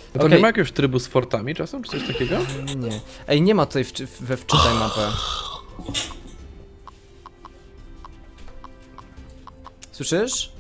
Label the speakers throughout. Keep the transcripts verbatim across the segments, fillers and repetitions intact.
Speaker 1: A to
Speaker 2: Okej.
Speaker 1: nie ma jakiegoś trybu z fortami czasem, czy coś takiego?
Speaker 2: Nie. Ej, nie ma tutaj wczy we wczytaj mapę. Słyszysz?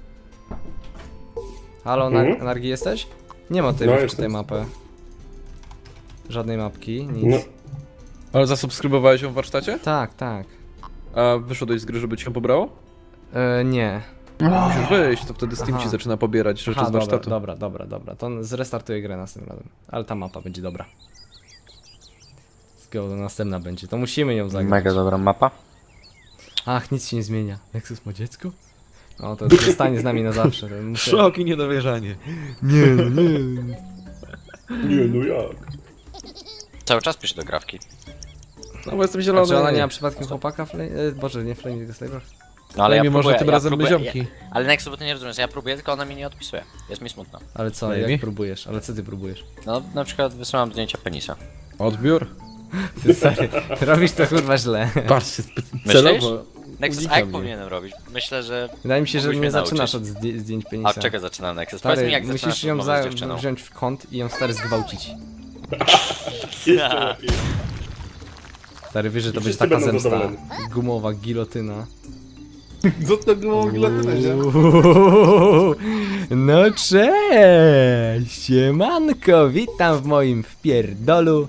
Speaker 2: Halo, na
Speaker 3: Mhm.
Speaker 2: Nargi jesteś? Nie ma tutaj
Speaker 3: No,
Speaker 2: we
Speaker 3: jestem.
Speaker 2: wczytaj mapę. Żadnej mapki, nic.
Speaker 3: No,
Speaker 1: Ale zasubskrybowałeś ją w warsztacie?
Speaker 2: Tak, tak.
Speaker 1: A wyszedłeś z gry, żeby ci ją pobrało?
Speaker 2: E, nie.
Speaker 1: Musisz wyjść, to wtedy Steam
Speaker 2: Aha.
Speaker 1: ci zaczyna pobierać rzeczy
Speaker 2: Aha,
Speaker 1: z
Speaker 2: dobra,
Speaker 1: warsztatu.
Speaker 2: dobra, dobra, dobra. To zrestartuję grę następnym razem. Ale ta mapa będzie dobra. Let's go, to następna będzie. To musimy ją zagrać.
Speaker 4: Mega dobra mapa.
Speaker 2: Ach, nic się nie zmienia. Nexus ma dziecko? No to zostanie z nami na zawsze. To muszę...
Speaker 1: Szok i niedowierzanie.
Speaker 2: Nie, no nie.
Speaker 3: nie, no jak?
Speaker 4: Cały czas piszę do grafki.
Speaker 1: No bo jestem
Speaker 2: A
Speaker 1: zielony.
Speaker 2: czy ona nie ma przypadkiem chłopaka? Flame... E, Boże, nie Flame, tylko Slaver?
Speaker 4: No ale ja
Speaker 1: mimo,
Speaker 4: próbuję,
Speaker 1: że tym
Speaker 4: ja
Speaker 1: razem my
Speaker 4: próbuję,
Speaker 1: ziomki.
Speaker 4: ja, ale Nexus, bo ty nie rozumiesz, ja próbuję, tylko ona mi nie odpisuje. Jest mi smutno.
Speaker 2: Ale co,
Speaker 1: Maybe.
Speaker 2: jak próbujesz? Ale co ty próbujesz?
Speaker 4: No na przykład wysyłam zdjęcia penisa.
Speaker 1: Odbiór?
Speaker 2: Ty stary, robisz to kurwa źle.
Speaker 1: Patrzcie,
Speaker 4: Myślisz?
Speaker 1: celowo.
Speaker 4: Nexus,
Speaker 1: unika
Speaker 4: a jak
Speaker 1: mnie.
Speaker 4: powinienem robić? Myślę, że...
Speaker 2: Wydaje mi się, że
Speaker 4: Mógłbyś
Speaker 2: nie
Speaker 4: mnie
Speaker 2: zaczynasz
Speaker 4: nauczyć.
Speaker 2: od zdję- zdjęć penisa.
Speaker 4: A od czego zaczyna Nexus? Powiedz mi,
Speaker 2: Stary,
Speaker 4: jak
Speaker 2: musisz
Speaker 4: zaczynasz
Speaker 2: ją
Speaker 4: rozmowę
Speaker 2: za...
Speaker 4: z dziewczyną.
Speaker 2: wziąć w kąt i ją stary zgwałcić.
Speaker 3: Jeszcze lepiej.
Speaker 2: Stary, wiesz, że to
Speaker 3: I
Speaker 2: będzie
Speaker 3: wszyscy
Speaker 2: taka
Speaker 3: będą
Speaker 2: zemsta.
Speaker 3: zadowoleni.
Speaker 2: Gumowa gilotyna.
Speaker 5: Co to było gilotyna,
Speaker 2: Uuu, no cześć! Siemanko, witam w moim wpierdolu.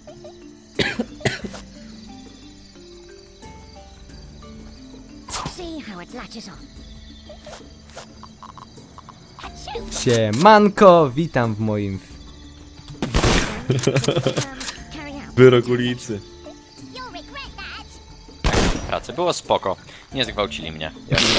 Speaker 6: See how it latches on. Achoo!
Speaker 2: Siemanko, witam w moim... w-
Speaker 6: Um, carry out.
Speaker 1: Wyrok ulicy.
Speaker 6: You'll regret that.
Speaker 4: Pracy było spoko. Nie zgwałcili mnie.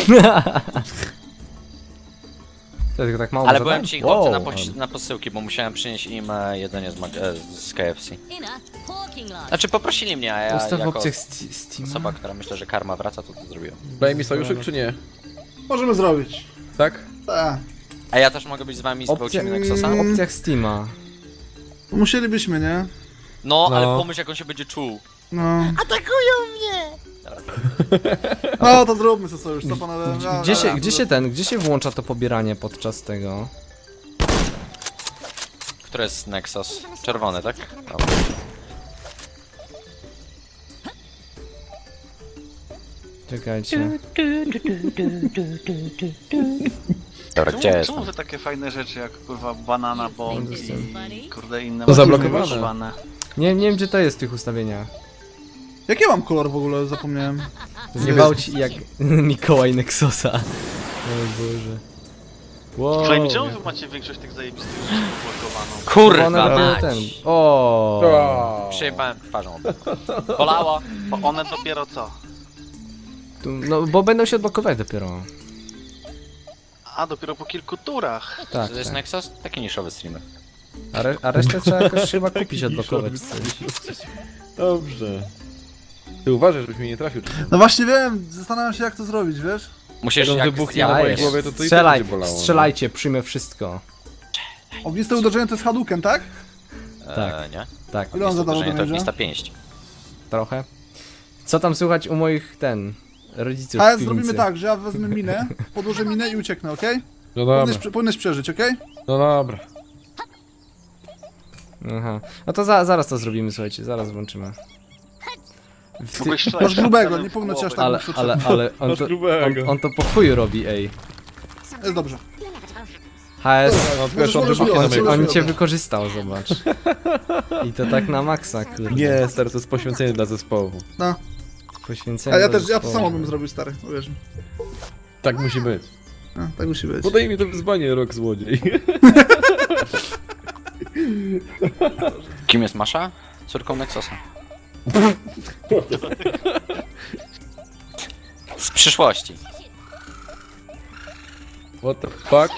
Speaker 2: To tylko tak mało
Speaker 4: Ale
Speaker 2: zadań?
Speaker 4: byłem ci chłopcy na,
Speaker 2: Wow,
Speaker 4: poś- na posyłki, bo musiałem przynieść im e, jedzenie z, mag- e, z K F C.
Speaker 6: In a parking lot.
Speaker 4: Znaczy poprosili mnie, a ja
Speaker 2: Ustaw w
Speaker 4: jako
Speaker 2: opcjach sti- Steam.
Speaker 4: osoba, która myślę, że karma wraca, to to zrobiłem.
Speaker 1: Daj mi sojuszek czy nie?
Speaker 5: Możemy zrobić.
Speaker 1: Tak?
Speaker 5: Tak.
Speaker 4: A ja też mogę być z wami z
Speaker 2: Opcja...
Speaker 4: gwałcimy Nexusa?
Speaker 2: W opcjach Steama.
Speaker 5: Musielibyśmy, nie?
Speaker 4: No, ale
Speaker 1: No.
Speaker 4: pomyśl jak on się będzie czuł.
Speaker 5: No.
Speaker 4: Atakują mnie!
Speaker 5: No to zróbmy sobie sojusz, co panowie? Ja-
Speaker 2: Gdzie
Speaker 5: ja-
Speaker 2: się,
Speaker 5: ja-
Speaker 2: gdzie się ten, gdzie się włącza to pobieranie podczas tego?
Speaker 4: Który jest Nexus? Czerwony, tak? Dobra.
Speaker 2: Czekajcie.
Speaker 4: Dobra, gdzie
Speaker 7: Czemu,
Speaker 4: jest?
Speaker 7: czemu te takie fajne rzeczy jak kurwa banana bomb i kurde inne
Speaker 1: To
Speaker 7: macie
Speaker 1: zablokowane.
Speaker 7: wyszywane?
Speaker 2: Nie, nie wiem gdzie to jest w tych ustawieniach.
Speaker 5: Jaki mam kolor w ogóle? Zapomniałem.
Speaker 2: Zgwałci jak Mikołaj Nexusa. O Boże. Wow.
Speaker 7: Flame, czemu wy macie większość tych zajebistych rzeczy blokowaną?
Speaker 2: Bo
Speaker 4: Kurwa
Speaker 2: one robią
Speaker 4: mać!
Speaker 2: ten. O.
Speaker 4: Przyjebałem twarzą. Bolało.
Speaker 7: Bo one dopiero co?
Speaker 2: Tu- No bo będą się odblokować dopiero.
Speaker 7: A, dopiero po kilku turach.
Speaker 2: Tak,
Speaker 4: To jest
Speaker 2: tak.
Speaker 4: Nexus? Taki niszowy streamer.
Speaker 2: A, re a resztę trzeba jakoś chyba kupić, odblokować.
Speaker 1: Dobrze. Ty uważaj, żebyś mnie nie trafił.
Speaker 5: No właśnie wiem, zastanawiam się jak to zrobić, wiesz?
Speaker 4: Musisz
Speaker 1: Jak on
Speaker 4: jak
Speaker 1: wybuchnie na
Speaker 4: ja
Speaker 1: mojej
Speaker 2: Dajesz.
Speaker 1: głowie, to to i tak
Speaker 2: Strzelaj,
Speaker 1: będzie bolało.
Speaker 2: strzelajcie, przyjmę wszystko.
Speaker 5: Ogniste uderzenie to jest Hadouken, tak?
Speaker 2: Tak.
Speaker 4: E, nie?
Speaker 2: Tak,
Speaker 5: Ile on
Speaker 4: Jest
Speaker 5: zadawał
Speaker 4: uderzenie to
Speaker 5: damage'a?
Speaker 4: ognista pięść.
Speaker 2: trochę. Co tam słychać u moich, ten, rodziców
Speaker 5: Ale
Speaker 2: w
Speaker 5: zrobimy
Speaker 2: piwnicy?
Speaker 5: tak, że ja wezmę minę, podłożę minę i ucieknę, okej?
Speaker 1: No dobra,
Speaker 5: Powinieneś, prze- powinieneś przeżyć, okej?
Speaker 1: no dobra.
Speaker 2: Aha. No to za, zaraz to zrobimy, słuchajcie, zaraz włączymy. W ty...
Speaker 7: Mogłeś strzelać
Speaker 5: Masz grubego,
Speaker 7: celem
Speaker 5: nie
Speaker 7: w
Speaker 5: powinno cię aż
Speaker 7: głowę.
Speaker 5: tak
Speaker 2: Ale, ale, ale, on
Speaker 1: Masz
Speaker 2: to,
Speaker 1: grubego.
Speaker 2: on, on to po chuju robi, ej.
Speaker 5: Jest dobrze.
Speaker 2: H S,
Speaker 1: No,
Speaker 5: Możesz-
Speaker 1: wiesz, on
Speaker 5: możesz
Speaker 1: wybuchnie na
Speaker 5: wyjąć,
Speaker 1: mojej
Speaker 2: on,
Speaker 5: możesz
Speaker 2: on cię
Speaker 5: wyjąć.
Speaker 2: wykorzystał, zobacz. I to tak na maksa, kurde.
Speaker 1: Nie, stary, to jest poświęcenie dla zespołu.
Speaker 5: No.
Speaker 2: Poświęcenie
Speaker 5: A ja
Speaker 2: do
Speaker 5: też, ja to
Speaker 2: zespołu.
Speaker 5: samo bym zrobił, stary, uwierz mi.
Speaker 1: Tak musi być.
Speaker 5: No, tak musi być.
Speaker 1: Podaj mi to wyzwanie, rok złodziej.
Speaker 4: Kim jest Masza? Córką Nexusa. Z przyszłości.
Speaker 1: What the fuck?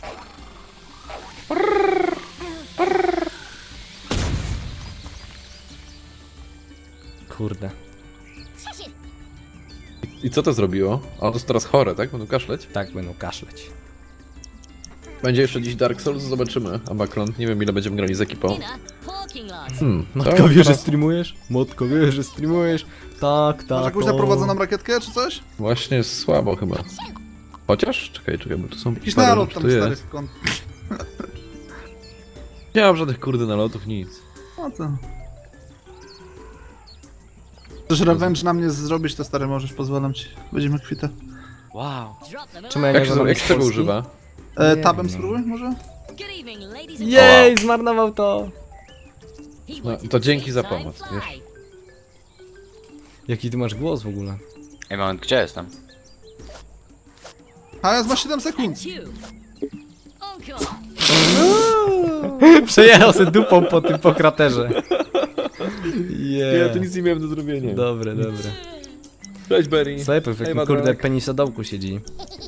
Speaker 2: Kurde.
Speaker 1: I co to zrobiło? A to jest teraz chore, tak? Będą kaszleć?
Speaker 2: Tak, będą kaszleć.
Speaker 1: Będzie jeszcze dziś Dark Souls, zobaczymy. A Bakron, nie wiem ile będziemy grali z ekipą.
Speaker 6: In a parking lot.
Speaker 1: Hmm,
Speaker 2: Matka
Speaker 1: to
Speaker 2: wie, że
Speaker 1: teraz
Speaker 2: streamujesz? Matka wie, że streamujesz? Tak, tak.
Speaker 5: Masz jakąś
Speaker 2: o.
Speaker 5: naprowadzoną rakietkę, czy coś?
Speaker 1: Właśnie jest słabo chyba. Chociaż? Czekaj, czekaj, bo tu są
Speaker 5: Jakiś
Speaker 1: parę
Speaker 5: naród
Speaker 1: rzeczy,
Speaker 5: tam,
Speaker 1: tu
Speaker 5: stary,
Speaker 1: jest.
Speaker 5: w kąt.
Speaker 1: Nie mam żadnych kurde nalotów, nic.
Speaker 5: No to... Chcesz revenge na mnie zrobić, to stary możesz, pozwalam ci. Będziemy kwita.
Speaker 4: Wow.
Speaker 6: Drop them
Speaker 2: Czemu ja
Speaker 1: Jak
Speaker 2: nie
Speaker 1: się,
Speaker 2: znam
Speaker 1: jak się tego
Speaker 2: Polski?
Speaker 1: używa?
Speaker 5: E,
Speaker 2: Nie
Speaker 5: tabem
Speaker 2: wiem.
Speaker 5: spróbuj może?
Speaker 6: Good evening, ladies and
Speaker 2: Jej, zmarnował to!
Speaker 6: He
Speaker 1: No,
Speaker 6: wanted
Speaker 1: to
Speaker 6: to
Speaker 1: dzięki
Speaker 6: see
Speaker 1: za
Speaker 6: time
Speaker 1: pomoc,
Speaker 6: fly.
Speaker 1: wiesz.
Speaker 2: Jaki ty masz głos w ogóle?
Speaker 4: Ej, moment, gdzie jestem?
Speaker 5: A ja ma siedem sekund.
Speaker 6: And you. Oh god.
Speaker 2: Przejechał sobie dupą po tym po kraterze.
Speaker 1: Yeah. Ja tu nic nie miałem do zrobienia.
Speaker 2: Dobre, dobre.
Speaker 1: Cześć Berry.
Speaker 2: Slepy w jakim
Speaker 1: Hej,
Speaker 2: kurde
Speaker 1: Madrak.
Speaker 2: penisodołku siedzi.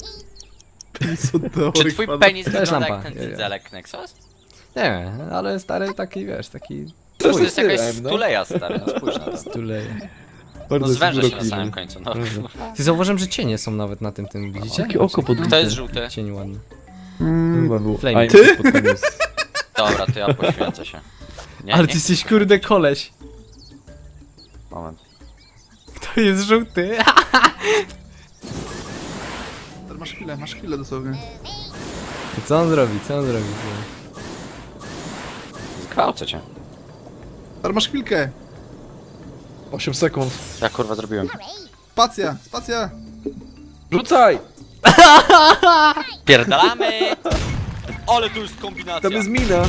Speaker 4: Czy twój penis
Speaker 2: To jest
Speaker 4: wygląda
Speaker 2: lampa,
Speaker 4: jak
Speaker 2: ja,
Speaker 4: ten
Speaker 2: ja.
Speaker 4: cyzelek Nexus?
Speaker 2: Nie, ale stary taki, wiesz, taki...
Speaker 4: To jest
Speaker 1: Twój
Speaker 4: jakaś
Speaker 1: stylem, no.
Speaker 4: stuleja stary, no spójrz na to.
Speaker 2: Tuleje.
Speaker 4: No zwęża się na samym końcu, no.
Speaker 2: Ty zauważyłem, że cienie są nawet na tym, tym widzicie?
Speaker 1: Jakie oko pod
Speaker 4: Kto jest żółty?
Speaker 2: Cień ładny.
Speaker 1: Chyba był.
Speaker 2: Flame.
Speaker 1: A, nie,
Speaker 5: Ty?
Speaker 1: pod koniec.
Speaker 4: Dobra, to ja poświęcę się. Nie,
Speaker 2: Ale
Speaker 4: nie,
Speaker 2: ty jesteś kurde koleś.
Speaker 4: moment.
Speaker 2: To jest żółty.
Speaker 5: Stary, masz chwilę, masz chwilę dosłownie.
Speaker 2: Co on zrobi, co on zrobi?
Speaker 4: Zgwałcę cię.
Speaker 5: Stary, masz chwilkę.
Speaker 1: osiem sekund.
Speaker 4: Ja kurwa zrobiłem.
Speaker 5: Spacja, spacja.
Speaker 1: Rzucaj!
Speaker 4: Pierdalamy! Ale tu już kombinacja.
Speaker 1: Tam jest mina.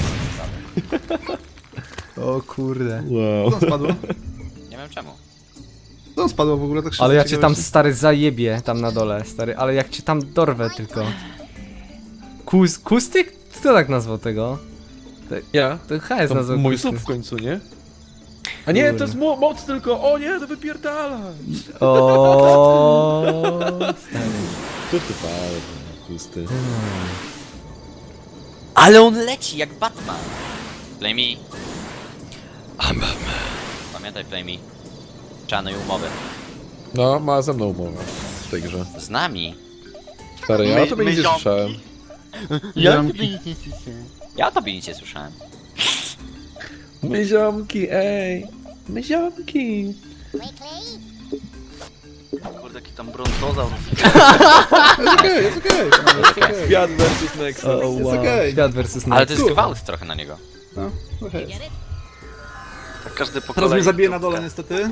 Speaker 2: O kurde.
Speaker 1: Wow.
Speaker 5: Co tam spadło?
Speaker 4: Nie wiem czemu.
Speaker 5: Co tam spadło w ogóle? Tak szybko
Speaker 2: Ale ja cię tam
Speaker 5: ciekawości.
Speaker 2: stary zajebię, tam na dole, stary, ale jak cię tam dorwę tylko. Kus, kustyk? Kto tak nazwał tego?
Speaker 1: Ja?
Speaker 2: To H jest
Speaker 1: To
Speaker 2: nazwał
Speaker 1: mój
Speaker 2: kustyk.
Speaker 1: sub w końcu, nie? A nie, to jest mo moc tylko! O nie, to wypierdala!
Speaker 2: O.
Speaker 1: Co ty pałeś, pusty.
Speaker 4: Ale on leci jak Batman. Flamey. Pamiętaj Flamey. Czarnej umowy.
Speaker 1: No, ma ze mną umowę w tej grze.
Speaker 4: Z nami.
Speaker 1: Stary, ja o tobie nic nie
Speaker 7: My-
Speaker 1: słyszałem.
Speaker 4: Ja tobie nic nie słyszałem. Ja tobie nic nie słyszałem.
Speaker 1: My ziomki, ej! My ziomki!
Speaker 6: Quickly.
Speaker 7: Kurde, jaki tam brązozaur.
Speaker 5: Jest okej, jest okej. Jest okej.
Speaker 1: Świat versus Nexus.
Speaker 2: O,
Speaker 5: Jest
Speaker 2: wow.
Speaker 5: okej.
Speaker 2: Świat versus
Speaker 4: Ale to
Speaker 2: Nexus.
Speaker 4: jest gwałt trochę na niego.
Speaker 5: No, okej.
Speaker 6: Get it?
Speaker 7: Tak każdy po
Speaker 5: Teraz
Speaker 7: kolei.
Speaker 5: mnie zabije na dole niestety.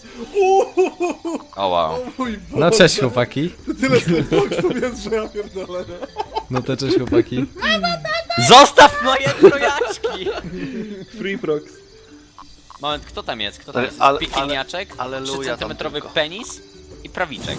Speaker 4: O wow.
Speaker 5: Mój Boże,
Speaker 2: No cześć chłopaki.
Speaker 5: tyle slowboxów jest, że ja pierdolę.
Speaker 2: No to cześć chłopaki.
Speaker 4: Zostaw moje trojaczki!
Speaker 1: Free prox.
Speaker 4: Moment, kto tam jest? Kto tam jest?
Speaker 7: Ale-
Speaker 4: Pikiniaczek,
Speaker 7: ale- aleluja
Speaker 4: trzy
Speaker 7: tam
Speaker 4: centymetrowy
Speaker 7: tylko.
Speaker 4: penis i prawiczek.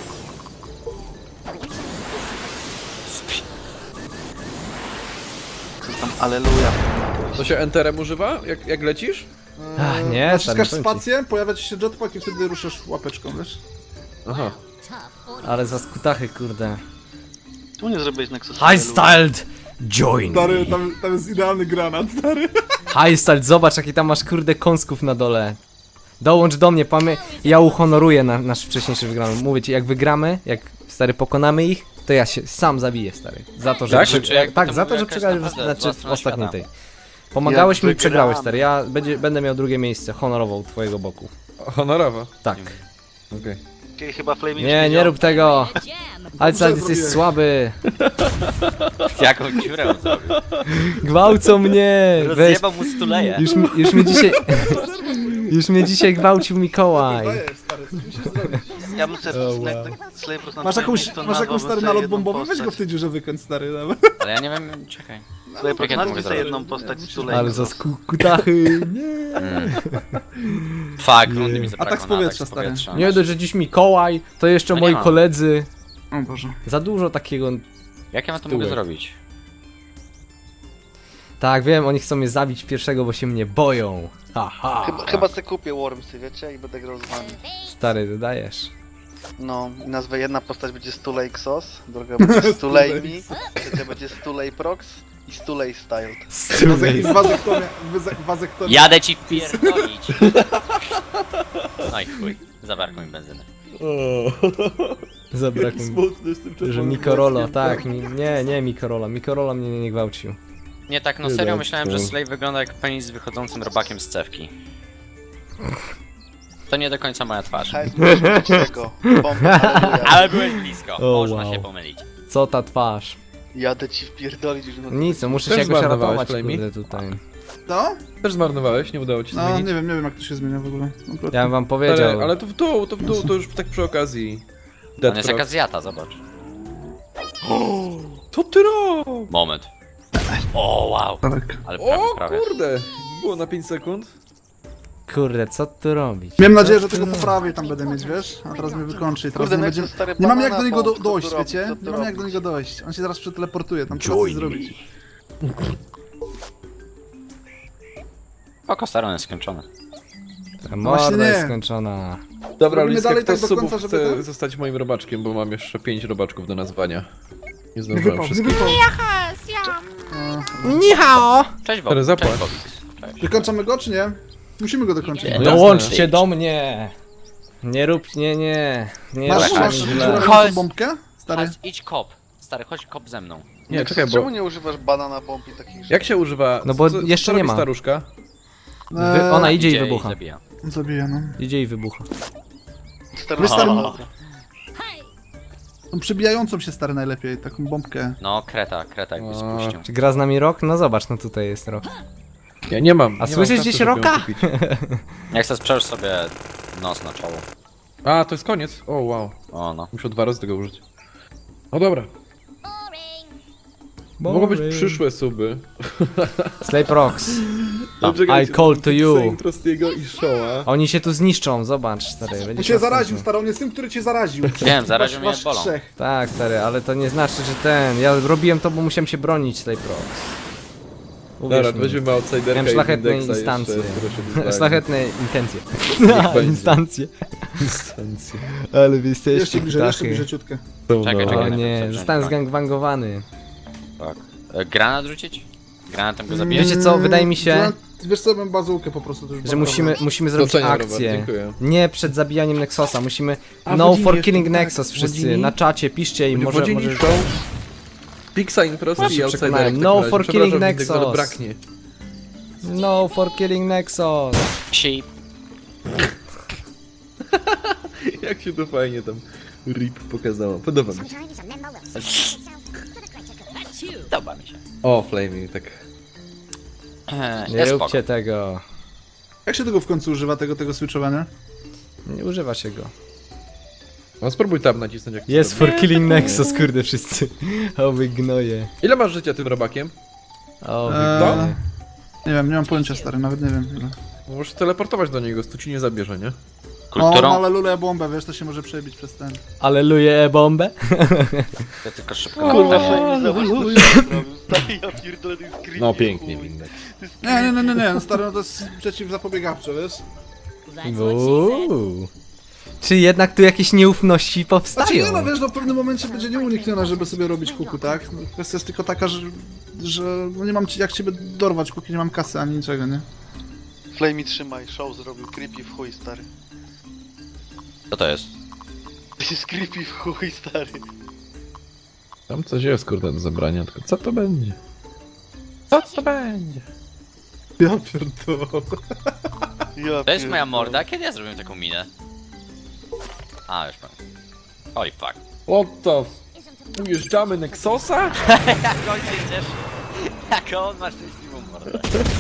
Speaker 7: Co tam, aleluja.
Speaker 1: To się enterem używa, jak, jak lecisz?
Speaker 2: Ach, nie, stary,
Speaker 5: Naciskasz
Speaker 2: powiem ci.
Speaker 5: spację, pojawia ci się jetpack i wtedy ruszasz łapeczką, wiesz?
Speaker 1: Aha.
Speaker 6: Tough audience.
Speaker 2: Ale za skutachy kurde.
Speaker 7: Tu nie zrobiłeś Nexus.
Speaker 2: High styled join
Speaker 5: Stary,
Speaker 2: me.
Speaker 5: tam, tam jest idealny granat, stary.
Speaker 2: High styled, zobacz jaki tam masz kurde kąsków na dole. Dołącz do mnie, pamię... ja uhonoruję na, nasz wcześniejszy wygrany. Mówię ci, jak wygramy, jak stary pokonamy ich, to ja się sam zabiję, stary. Za to, że
Speaker 1: Tak?
Speaker 2: przy...
Speaker 4: Czy jak
Speaker 2: tak,
Speaker 4: to
Speaker 2: za to,
Speaker 4: mówię,
Speaker 2: że
Speaker 4: jakaś
Speaker 2: przegrałeś w,
Speaker 4: naprawdę
Speaker 2: znaczy,
Speaker 4: zła
Speaker 2: w
Speaker 4: strona
Speaker 2: ostatniej
Speaker 4: świata.
Speaker 2: tej. Pomagałeś
Speaker 7: Jak
Speaker 2: mi i przegrałeś,
Speaker 7: wygramy.
Speaker 2: stary. Ja będzie, będę miał drugie miejsce, honorowo u twojego boku.
Speaker 1: Honorowo.
Speaker 2: Tak.
Speaker 1: Okej.
Speaker 7: Czyli chyba Flamey
Speaker 2: Nie, nie rób tego.
Speaker 6: Jam.
Speaker 2: Ale
Speaker 5: Dobrze
Speaker 2: jesteś
Speaker 5: zrobiłeś.
Speaker 2: słaby.
Speaker 4: Jaką dziurę on zrobił?
Speaker 2: Gwałcą mnie. Weź.
Speaker 4: Rozjebał mu stuleję.
Speaker 2: Już, mi- już mnie dzisiaj... Już mnie dzisiaj gwałcił Mikołaj.
Speaker 5: Dajesz, stary, coś musisz zrobić.
Speaker 7: Ja bym sobie
Speaker 2: Oh, wow.
Speaker 7: Slavers na
Speaker 5: Masz
Speaker 7: twoim
Speaker 5: jakąś,
Speaker 7: miejscu
Speaker 5: masz jakąś
Speaker 7: nazwałbym
Speaker 5: stary
Speaker 7: sobie
Speaker 5: nalot
Speaker 7: jedną
Speaker 5: bombowy? Weź go
Speaker 7: postać.
Speaker 5: w tej dziurze wykręć, stary, nawet.
Speaker 4: Ale ja nie wiem, czekaj.
Speaker 7: Slavers,
Speaker 4: Jak ja to mogę
Speaker 7: nazwij sobie
Speaker 4: zrobić?
Speaker 7: jedną postać z Tulej.
Speaker 2: Ale za skutachy. Nie.
Speaker 4: Mm. Fuck, rundy mi zabrakło
Speaker 5: Atak z
Speaker 4: na
Speaker 5: powietrza,
Speaker 4: z
Speaker 5: stary.
Speaker 4: powietrza.
Speaker 2: Nie dość, że dziś Mikołaj, to jeszcze
Speaker 4: No nie
Speaker 2: moi
Speaker 4: ma.
Speaker 2: koledzy.
Speaker 5: O Boże.
Speaker 2: Za dużo takiego...
Speaker 4: Jak ja to mogę
Speaker 2: Tyłek.
Speaker 4: zrobić?
Speaker 2: Tak, wiem, oni chcą mnie zabić pierwszego, bo się mnie boją. Haha.
Speaker 7: Chyba, chyba se kupię Wormsy, wiecie? I będę grał z wami.
Speaker 2: Stary, dodajesz.
Speaker 7: No, i nazwę jedna postać będzie Stulej Xos, druga będzie Stulej Mi, trzecia będzie Stulej Prox i Stulej Styled.
Speaker 2: Stulej.
Speaker 5: Wazektomia, wazektomia.
Speaker 4: Jadę ci wpierdolić! No i chuj, zabrakło mi benzyny.
Speaker 2: Zabrakło mi.
Speaker 1: Smutny z tym
Speaker 2: Że
Speaker 1: czerwonym
Speaker 2: Mikorolo,
Speaker 1: włoskiem.
Speaker 2: tak, mi, nie, nie Mikorola. Mikorola mnie nie gwałcił.
Speaker 4: Nie tak, no
Speaker 1: Nie
Speaker 4: serio
Speaker 1: dać
Speaker 4: myślałem,
Speaker 1: to.
Speaker 4: że Slave wygląda jak penis z wychodzącym robakiem z cewki. To nie do końca moja twarz.
Speaker 7: Hajs, musisz mieć tego. Bombę, aleluja.
Speaker 4: Ale byłeś blisko,
Speaker 2: O,
Speaker 4: można
Speaker 2: wow.
Speaker 4: się pomylić.
Speaker 2: Co ta twarz?
Speaker 7: Jadę ci wpierdolić już na
Speaker 2: Nic, no muszę
Speaker 1: Też
Speaker 2: się jakoś
Speaker 1: zmarnowałeś,
Speaker 2: ratować,
Speaker 1: Flamey?
Speaker 2: kurde, tutaj.
Speaker 5: No?
Speaker 1: Też zmarnowałeś, nie udało ci się
Speaker 5: No,
Speaker 1: zmienić.
Speaker 5: nie wiem, nie wiem jak to się zmienia w ogóle. Kompletnie.
Speaker 2: Ja bym wam
Speaker 1: Ale,
Speaker 2: powiedział.
Speaker 1: ale to w dół, to w dół, to już tak przy okazji.
Speaker 4: To
Speaker 1: Dead
Speaker 4: jest
Speaker 1: Proc.
Speaker 4: jaka zjata, zobacz.
Speaker 1: Co ty robisz?
Speaker 4: Moment. O, wow.
Speaker 5: Tak.
Speaker 4: Ale prawie,
Speaker 1: O
Speaker 4: prawie.
Speaker 1: kurde! Było na pięć sekund.
Speaker 2: Kurde, co tu robić?
Speaker 5: Miałem nadzieję,
Speaker 2: Co
Speaker 5: że
Speaker 2: tu
Speaker 5: tego
Speaker 2: robić?
Speaker 5: poprawię tam będę mieć, wiesz? A teraz mnie wykończy i teraz
Speaker 7: Kurde,
Speaker 5: nie
Speaker 7: Nexus,
Speaker 5: będzie...
Speaker 7: stary,
Speaker 5: Nie mamy jak
Speaker 7: banana
Speaker 5: do niego do,
Speaker 7: bomb, co
Speaker 5: dojść,
Speaker 7: tu robić,
Speaker 5: wiecie?
Speaker 7: co tu
Speaker 5: Nie mamy jak do
Speaker 7: robić?
Speaker 5: niego dojść. On się zaraz przeteleportuje, tam trzeba coś zrobić.
Speaker 4: Oko stary, on jest skończony.
Speaker 2: Ta
Speaker 5: No właśnie
Speaker 2: morda
Speaker 5: nie.
Speaker 2: jest skończona.
Speaker 1: Dobra,
Speaker 5: Robimy
Speaker 1: Liska,
Speaker 5: dalej
Speaker 1: kto
Speaker 5: tak
Speaker 1: z
Speaker 5: do
Speaker 1: subów
Speaker 5: końca, żeby
Speaker 1: chce
Speaker 5: to-
Speaker 1: zostać moim robaczkiem, bo mam jeszcze pięć robaczków do nazwania. Nie
Speaker 5: Nie
Speaker 1: zdążyłem
Speaker 5: wypał, nie
Speaker 1: wszystkich.
Speaker 5: wypał.
Speaker 2: Nihao!
Speaker 4: Cześć,
Speaker 1: Stary,
Speaker 4: Bob.
Speaker 1: zapłać.
Speaker 4: Cześć, Bobix. Cześć.
Speaker 5: Wykończamy go, czy nie? Musimy go dokończyć.
Speaker 4: Nie.
Speaker 1: No
Speaker 2: Dołączcie
Speaker 4: jasne.
Speaker 2: do mnie! Nie rób, nie, nie. Nie
Speaker 5: Masz,
Speaker 2: rób
Speaker 5: masz
Speaker 2: mi źle.
Speaker 5: żelazną
Speaker 4: Chodź.
Speaker 5: bombkę? Stary.
Speaker 4: Chodź, idź kop. Stary, chodź kop ze mną.
Speaker 1: Nie,
Speaker 7: Nexus,
Speaker 1: czekaj,
Speaker 7: czemu
Speaker 1: bo...
Speaker 7: nie używasz banana bomb i takich rzeczy?
Speaker 1: Jak się używa...
Speaker 2: No bo
Speaker 1: co,
Speaker 2: jeszcze
Speaker 1: co
Speaker 2: nie
Speaker 1: robi
Speaker 2: ma.
Speaker 1: staruszka?
Speaker 2: Wy, ona idzie i
Speaker 4: Idzie
Speaker 2: wybucha.
Speaker 4: zabija.
Speaker 5: Zabija, no.
Speaker 2: Idzie i wybucha.
Speaker 7: Stary,
Speaker 5: Wiesz, stary,
Speaker 7: banana.
Speaker 6: Hey!
Speaker 5: Tą przybijającą się stary najlepiej, taką bombkę.
Speaker 4: No, kreta, kreta jakby
Speaker 1: A.
Speaker 4: spuścił.
Speaker 2: Czy gra z nami rok? No zobacz, no tutaj jest rok.
Speaker 1: Ja nie mam.
Speaker 2: A
Speaker 1: nie
Speaker 2: słyszysz
Speaker 1: mam kasy,
Speaker 2: gdzieś
Speaker 1: żeby ją
Speaker 2: roka?
Speaker 1: kupić.
Speaker 4: Jak chcesz przełóż sobie nos na czoło.
Speaker 1: A, to jest koniec. O, wow.
Speaker 4: O, no.
Speaker 1: Muszę dwa razy tego użyć. No dobra.
Speaker 6: Boring!
Speaker 1: Mogą być przyszłe suby.
Speaker 2: Slave Rocks.
Speaker 4: Tam.
Speaker 2: I call to you.
Speaker 1: Prostiego i Showa.
Speaker 2: Oni się tu zniszczą, zobacz stary.
Speaker 5: On
Speaker 2: będziesz
Speaker 5: cię
Speaker 2: następny.
Speaker 5: zaraził, stary, on jest tym, który cię zaraził.
Speaker 4: Wiem, zaraził
Speaker 5: Wasz-
Speaker 4: mnie
Speaker 5: wasz
Speaker 4: bolą.
Speaker 5: trzech.
Speaker 2: Tak stary, ale to nie znaczy, że ten. Ja robiłem to, bo musiałem się bronić Slave Rocks. Uwierz
Speaker 1: Dobra, to
Speaker 2: mi.
Speaker 1: weźmiemy outsiderka
Speaker 2: Miałem
Speaker 1: i
Speaker 2: szlachetne
Speaker 1: Indexa
Speaker 2: instancje.
Speaker 1: jeszcze, które się wyzwali.
Speaker 2: Szlachetne intencje.
Speaker 1: będzie.
Speaker 2: Instancje.
Speaker 1: Instancje.
Speaker 2: Ale wy
Speaker 5: Jeszcze
Speaker 2: jesteście
Speaker 5: bliżej, jeszcze
Speaker 2: ptachy.
Speaker 5: bliżej ciutkę.
Speaker 1: Są,
Speaker 4: Czekaj,
Speaker 1: no.
Speaker 4: czekaj.
Speaker 2: O
Speaker 4: najpierw
Speaker 2: nie,
Speaker 4: zacząć
Speaker 2: zostałem
Speaker 4: broń.
Speaker 2: zgangbangowany.
Speaker 4: Tak. E, granat rzucić? Granatem go zabijesz?
Speaker 2: Wiecie co, wydaje mi się,
Speaker 5: Mm, Wiesz co, bym bazułkę po prostu. to już
Speaker 2: że
Speaker 5: bardzo
Speaker 2: musimy,
Speaker 5: dobrze.
Speaker 2: musimy zrobić
Speaker 1: Doceniam, Robert,
Speaker 2: akcję.
Speaker 1: dziękuję.
Speaker 2: Nie przed zabijaniem Nexusa, musimy...
Speaker 1: A,
Speaker 2: No
Speaker 1: Wodzini
Speaker 2: for
Speaker 1: jeszcze,
Speaker 2: killing
Speaker 1: tak.
Speaker 2: Nexus wszyscy,
Speaker 1: Wodzini?
Speaker 2: na czacie, piszcie i może...
Speaker 1: Wodzini
Speaker 2: może...
Speaker 1: show. Pixa in Prosti
Speaker 2: Może
Speaker 1: i
Speaker 2: się
Speaker 1: outsiderek.
Speaker 2: przekonałem.
Speaker 1: w
Speaker 2: No
Speaker 1: takim razie.
Speaker 2: for
Speaker 1: Przepraszam,
Speaker 2: killing
Speaker 1: Windek, ale
Speaker 2: Nexus.
Speaker 1: braknie.
Speaker 2: No for killing Nexus.
Speaker 4: Sheep.
Speaker 1: Jak się to fajnie tam rip pokazało. Podoba mi się.
Speaker 6: Sometimes a member will say himself for the greater good. That's you!
Speaker 4: Podoba mi się.
Speaker 1: O, flaming, tak.
Speaker 4: Eee,
Speaker 2: Nie
Speaker 4: jest spoko.
Speaker 2: róbcie tego.
Speaker 5: Jak się tego w końcu używa, tego, tego switchowania?
Speaker 2: Nie używa się go.
Speaker 1: No spróbuj tam nacisnąć jak to
Speaker 2: Jest
Speaker 1: zrobi.
Speaker 2: for killing Nexus, kurde wszyscy. O wy gnoje.
Speaker 1: Ile masz życia tym robakiem?
Speaker 2: O wy
Speaker 5: Eee,
Speaker 2: gnoje.
Speaker 5: Nie wiem, nie mam pojęcia, stary, nawet nie wiem ile.
Speaker 1: Możesz teleportować do niego, stu ci nie zabierze, nie?
Speaker 5: O, no,
Speaker 4: Kulturą?
Speaker 5: ale lulę bombę, wiesz, to się może przebić przez ten.
Speaker 2: Aleluję e-bombę.
Speaker 4: Ja tylko szybko
Speaker 7: Kurwa,
Speaker 4: na
Speaker 7: Flame, zobacz, co się zrobił. Stary, ja pierdolę, to jest creepy.
Speaker 1: No pięknie,
Speaker 7: chuj.
Speaker 1: Windek.
Speaker 7: To jest
Speaker 5: Nie, nie,
Speaker 7: creepy.
Speaker 5: nie, nie, nie, no stary, no to jest przeciwzapobiegawcze, wiesz?
Speaker 6: That's what she said.
Speaker 2: Uuu. Czy jednak tu jakieś nieufności
Speaker 5: Znaczy
Speaker 2: powstają?
Speaker 5: nie, no wiesz, no w pewnym momencie będzie nieuniknione, żeby sobie robić kuku, tak? No, kwestia jest tylko taka, że, że no nie mam ci, jak ciebie dorwać, póki nie mam kasy ani niczego, nie?
Speaker 7: Flame, trzymaj, show zrobił creepy w chuj, stary.
Speaker 4: Co to jest?
Speaker 7: To jest creepy w chuj, stary.
Speaker 1: Tam coś jest, kurde, do zabrania, tylko co to będzie? Co to będzie?
Speaker 5: Ja pierdolę.
Speaker 7: Ja
Speaker 4: To jest moja
Speaker 7: pierdolę.
Speaker 4: morda? Kiedy ja zrobiłem taką minę? A, już mam. Holy fuck.
Speaker 1: What the f...
Speaker 6: Isn't a
Speaker 1: Ujeżdżamy Nexosa?
Speaker 4: Jak on się cieszy. Jak on ma szczęśliwą mordę.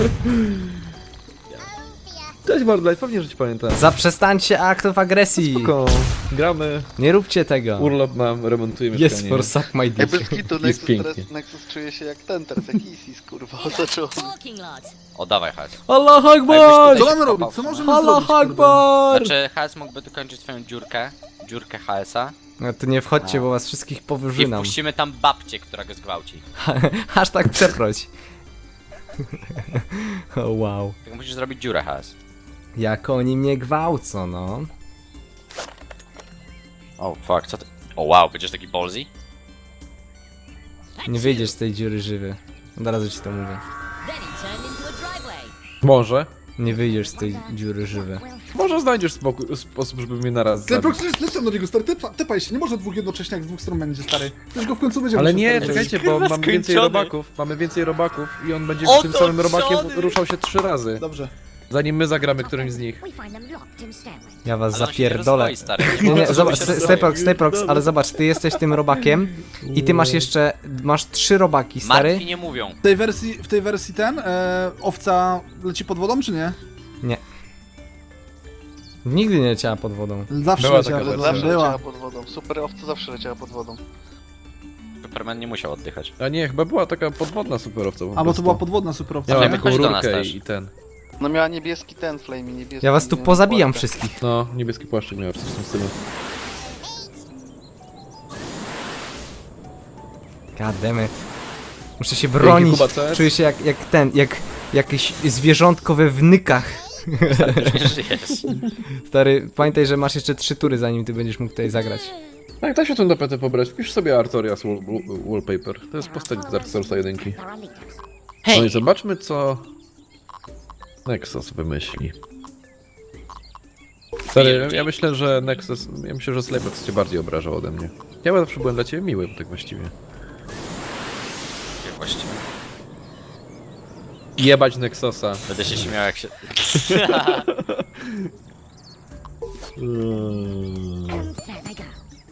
Speaker 1: Cześć Mordlight, pewnie, że ci pamiętam.
Speaker 2: Zaprzestańcie aktów agresji.
Speaker 1: Spoko, gramy,
Speaker 2: Nie róbcie tego.
Speaker 1: urlop mam, remontuję mieszkanie.
Speaker 2: Yes for suck my
Speaker 7: Ej,
Speaker 2: dick.
Speaker 7: bez kitu,
Speaker 1: Jest
Speaker 7: Nexus,
Speaker 1: pięknie.
Speaker 7: teraz, Nexus czuje się jak ten, teraz jak Isis, kurwa, zaczął.
Speaker 6: talking lot.
Speaker 4: O, dawaj, Haz.
Speaker 2: Allah
Speaker 4: A
Speaker 2: Akbar!
Speaker 4: jakbyś
Speaker 5: Co
Speaker 4: tutaj-
Speaker 5: mamy robić? Co możemy
Speaker 2: Allah
Speaker 5: zrobić, kurde?
Speaker 2: Akbar!
Speaker 4: Znaczy, Haz mógłby dokończyć swoją dziurkę. Dziurkę H S-a.
Speaker 2: No to nie wchodźcie, bo was wszystkich
Speaker 4: I
Speaker 2: powyżynam.
Speaker 4: wpuścimy tam babcię, która go zgwałci.
Speaker 2: Hashtag przeproś. O wow.
Speaker 4: Tylko musisz zrobić dziurę, Haz.
Speaker 2: Jak oni mnie gwałcą, no.
Speaker 4: O, fuck, co ty... O, wow, będziesz taki ballsy?
Speaker 2: Nie wyjdziesz z tej dziury żywy. Od razu ci to mówię.
Speaker 6: Then he turned into a driveway.
Speaker 1: Może.
Speaker 2: Nie wyjdziesz z tej dziury żywy.
Speaker 1: Może znajdziesz spokój, sposób, żeby mnie naraz
Speaker 5: Ty,
Speaker 1: zabić.
Speaker 5: Prox, lec- lecę do niego, stary, typa, typaj się, nie może dwóch jednocześnie, jak z dwóch stron będzie, stary. Już go w końcu będzie
Speaker 1: Ale
Speaker 5: musiał,
Speaker 1: nie,
Speaker 5: stary,
Speaker 1: czekajcie, bo
Speaker 4: Kurwa,
Speaker 1: mamy więcej
Speaker 4: skończony.
Speaker 1: robaków, mamy więcej robaków i on będzie
Speaker 4: Otoczony.
Speaker 1: tym samym robakiem ruszał się trzy razy.
Speaker 5: Dobrze.
Speaker 1: Zanim my zagramy którymś z nich.
Speaker 6: We find them locked in stairways.
Speaker 2: Ja was
Speaker 4: Ale on się nie
Speaker 2: zapierdolę.
Speaker 4: rozwoi, stary.
Speaker 2: Nie, nie,
Speaker 4: Co
Speaker 2: zobacz,
Speaker 4: się
Speaker 2: Ste-
Speaker 4: rozwoi?
Speaker 2: Stayprox, Stayprox, ale zobacz, ty jesteś tym robakiem i ty masz jeszcze, masz trzy robaki, stary.
Speaker 4: Martwi nie mówią.
Speaker 5: W tej wersji, w tej wersji ten, e, owca leci pod wodą, czy nie?
Speaker 2: Nie. Nigdy nie leciała pod wodą.
Speaker 5: Zawsze
Speaker 1: Była
Speaker 5: leciała
Speaker 1: taka
Speaker 5: pod
Speaker 1: wersja.
Speaker 5: wodą.
Speaker 7: Zawsze
Speaker 5: Była.
Speaker 7: leciała pod wodą. Super owca zawsze leciała pod wodą.
Speaker 4: Superman nie musiał oddychać.
Speaker 1: A nie, chyba była taka podwodna superowca po
Speaker 5: A bo to
Speaker 1: prostu.
Speaker 5: była podwodna superowca.
Speaker 1: Miała
Speaker 4: Ale
Speaker 1: taką
Speaker 4: chodź do nas
Speaker 1: rurkę
Speaker 4: też.
Speaker 1: i, i ten.
Speaker 7: No miała niebieski ten flame, niebieski.
Speaker 2: Ja was tu
Speaker 7: nie,
Speaker 2: pozabijam
Speaker 7: płatkę.
Speaker 2: wszystkich.
Speaker 1: No, niebieski płaszczyk miał coś w tym stylu.
Speaker 2: God damn it. Muszę się bronić.
Speaker 1: Kuba, co jest?
Speaker 2: Czuję się jak, jak ten, jak jakieś zwierzątko we wnykach.
Speaker 4: Nie żyjesz.
Speaker 2: Stary, pamiętaj, że masz jeszcze trzy tury, zanim ty będziesz mógł tutaj zagrać.
Speaker 1: Tak, da się tą tapetę pobrać. Wpisz sobie Artorias wall, wall, Wallpaper. To jest postać z Dark Soulsa jedynki.
Speaker 6: There are leaders.
Speaker 1: No i zobaczmy, co Nexus wymyśli. Stary, ja myślę, że Nexus... Ja myślę, że Slaybox cię bardziej obrażał ode mnie. Ja zawsze byłem dla ciebie miły, tak właściwie.
Speaker 4: Jak właściwie.
Speaker 1: Jebać Nexusa.
Speaker 4: Będę się śmiał jak się...
Speaker 6: And there they go.